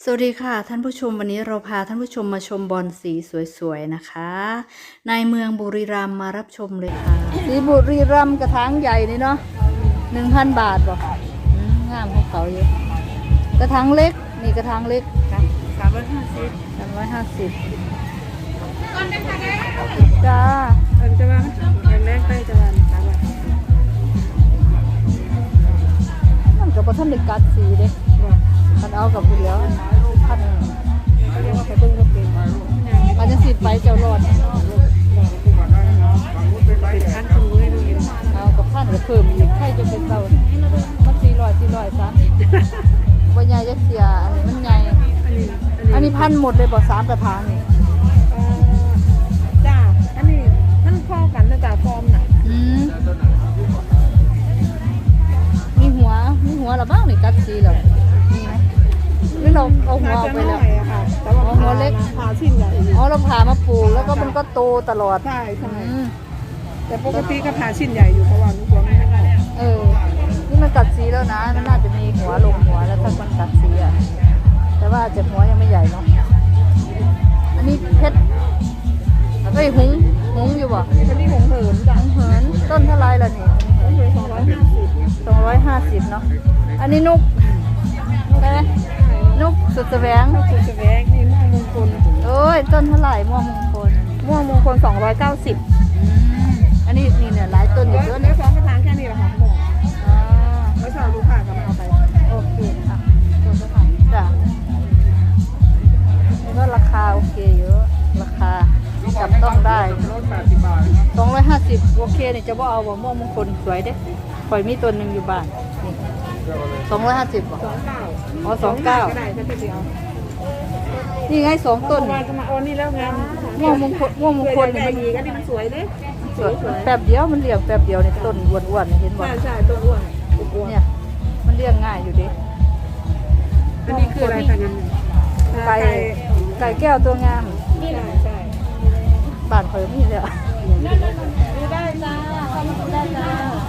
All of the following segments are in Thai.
สวัสดีค่ะท่านผู้ชมวันนี้เราพาท่านผู้ชมมาชมบอลสีสวยๆนะคะในเมืองบุรีรัมย์มารับชมเลยค่ะสีบุรีรัมย์กระถางใหญ่นี่เนาะ1,000 บาทบอกงามของเขาเยอะกระถางเล็กนี่กระถางเล็ก350จ้าจะว่าแรงไปจะว่ามันกับท่านเด็กกัดสีเด้มันเอากับผู้เดียวพันเรียกว่าไปเบิ่งก็เป็นอาจจะสิไปเจ้ารอดเป็นพันคนเลยดูเห็นเอากับพันกับเพิ่มอีกใครจะเป็นเจ้ามัน400ซะบ่ใหญ่จะเสียอันนี้มันใหญ่อันนี้พันหมดเลยบ่3กระถางนี่จ้าอันนี้มันพอกันนะจ้าฟอร์มน่ะมีหัวละบ้างนี่กัดสีแล้วมีไหมหรือเราเอาหัวออกไปแล้วแต่ว่าหัวเล็กผ่าชิ้นใหญ่เราผ่ามาปลูกแล้วก็มันก็โตตลอดใช่แต่ปกติก็ผ่าชิ้นใหญ่อยู่เพราะว่าลูกหัวไม่ได้นี่มันกัดสีแล้วนะมันน่าจะมีหัวลงหัวแล้วถ้ามันกัดสีอ่ะแต่ว่าเจ็บหัวยังไม่ใหญ่เนาะอันนี้เพชรหุงอยู่บ่อันนี้หงเหินจ้ะเหินต้นเท่าไรล่ะนี่หงเหิน250 เนาะอันนี้นุกสุดแสวงนี่ม่วงมงคลต้นเท่าไหร่ม่วงมงคล 290 อันนี้นี่เนี่ยหลายต้นอยู่เยอะเนี่ย2กระถางแค่นี้แหละค่ะหมดไม่ชอบลูกค้าก็มาเอาไปโอเคค่ะจ้ะนี่ก็ราคาโอเคเยอะราคาจับต้องได้250โอเคนี่จะว่าเอาบ่ม่วงมงคลสวยเด้ปล่อยมีตัวหนึ่งอยู่บ้านนี่250บ่29 ก็ได้ถ้าพี่เอานี่ไง2ต้นจะมาเอานี่แล้วงานม่วงมงคลนี่มันดีก็นี่มันสวยเด้สวยแป๊บเดียวมันเลี้ยงแป๊บเดียวนี่ต้นอ้วนๆเห็นบ่ใช่ต้นอ้วนเนี่ยมันเลี้ยงง่ายอยู่ดิอันนี้คืออะไรคะงั้นไก่แก้วตัวงามนี่แหละใช่บ้านเพิ่มนี่เลยอ่ะได้จ้าทำได้จ้า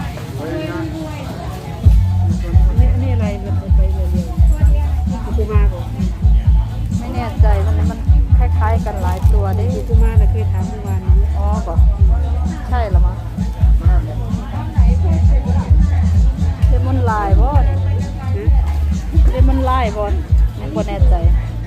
นี่อะไรมันไปเรื่อยๆกูมาก่อนไม่แน่ใจมันคล้ายๆกันหลายตัวได้กูมาแต่เคยถามเมื่อวานนี้ป่ะใช่หรอมั้งเลมอนลายบ่เลมอนลายบ่ไม่แน่ใจ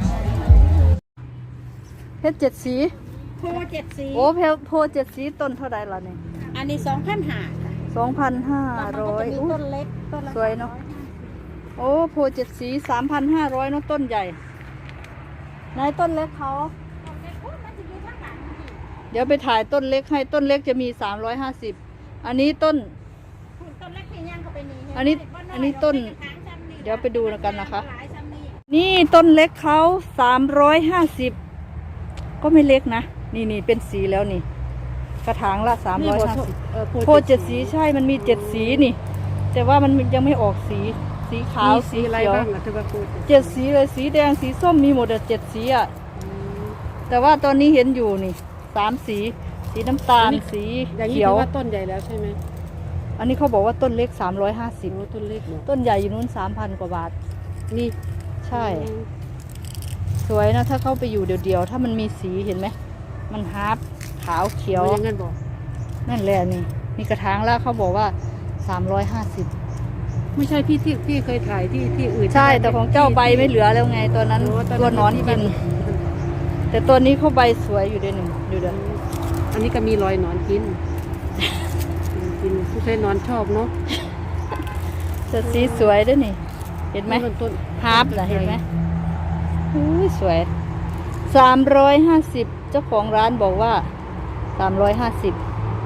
เพชร7 สีโพ7 สีโพ7 สีต้นเท่าไรล่ะเนี่ยอันนี้2,500ค่ะ 2,500 ต้นเล็กต้นสวยเนาะโพ7 สี3,500เนาะต้นใหญ่นายต้นเล็กเขาเดี๋ยวไปถ่ายต้นเล็กให้ต้นเล็กจะมี350อันนี้ต้นเล็กที่ย่างเข้าไปนี่อันนี้ต้นเดี๋ยวไปดูกันนะคะนี่ต้นเล็กเขา350ก็ไม่เล็กนะนี่เป็นสีแล้วนี่กระถางละ350โพ7 สีใช่มันมี7 สีนี่แต่ว่ามันยังไม่ออกสีขาวสีเขียว7 สีเลยสีแดงสีส้มมีหมด7 สีอ่ะแต่ว่าตอนนี้เห็นอยู่นี่3 สีน้ำตาลสีเขียวว่าต้นใหญ่แล้วใช่ไหมอันนี้เขาบอกว่าต้นเล็ก350 ต้นเล็กต้นใหญ่อยู่นู้น 3,000 กว่าบาทนี่ใช่สวยนะถ้าเข้าไปอยู่เดียวถ้ามันมีสีเห็นไหมมันฮาร์ปขาวเขียวนั่นแหละนี่กระถางแล้วเขาบอกว่า350 ไม่ใช่พี่เคยถ่ายที่อื่นใช่แต่ของเจ้าใบไม่เหลือแล้วไงตัวนั้นตัวนอนกินแต่ตัวนี้เขาใบสวยอยู่ด้วยหนึ่งดูเด้ออันนี้ก็มีรอยนอนกินผู้ใช้นอนชอบเนาะจะสีสวยด้วยนี่เห็นไหมฮาร์ปเหรอเห็นไหมสวย350เจ้าของร้านบอกว่า350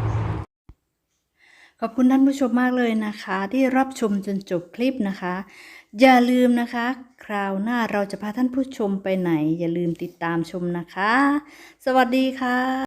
ขอบคุณท่านผู้ชมมากเลยนะคะที่รับชมจนจบคลิปนะคะอย่าลืมนะคะคราวหน้าเราจะพาท่านผู้ชมไปไหนอย่าลืมติดตามชมนะคะสวัสดีค่ะ